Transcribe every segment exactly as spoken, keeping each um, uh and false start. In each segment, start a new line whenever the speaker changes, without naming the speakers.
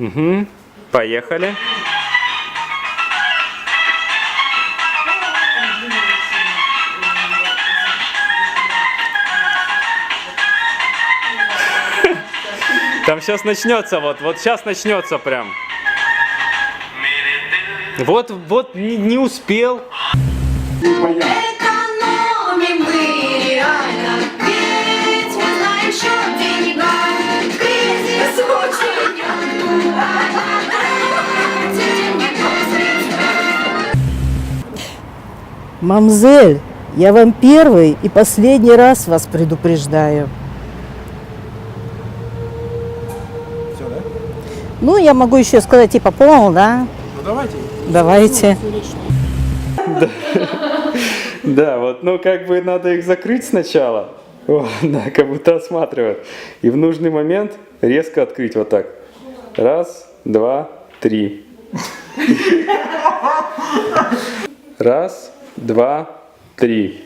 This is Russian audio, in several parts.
Угу. Поехали. Там сейчас начнется, вот, вот сейчас начнется прям. Вот, вот не, не успел.
Экономим мы реально, ведь мы знаем счет деньгам. Кризис очень актуален.
Мамзель, я вам первый и последний раз вас предупреждаю.
Все, да?
Ну, я могу еще сказать, типа, понял, да?
Ну давайте.
Давайте.
Да, вот, ну как бы надо их закрыть сначала. О, да, как будто осматривают. И в нужный момент резко открыть вот так. Раз, два, три. Раз, два, три.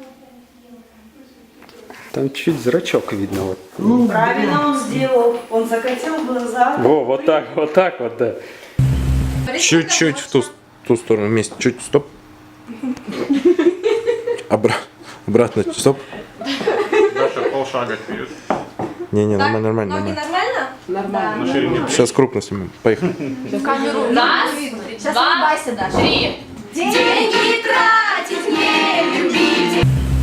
Там чуть зрачок видно. Вот.
Правильно он сделал. Он закатил глаза.
Во, вот так, вот так вот, да.
Чуть-чуть в ту, ту сторону вместе. Чуть, стоп. Обра... Обратно, стоп.
Даша, полшага вперед.
Не-не, нормально, нормально, нормально.
Нормально?
На ширине.
Сейчас крупно снимем. Поехали.
Камеру. Раз, два, три. Деньги тратить не любите.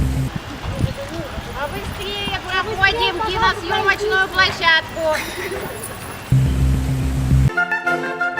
Побыстрее проходим киносъемочную площадку.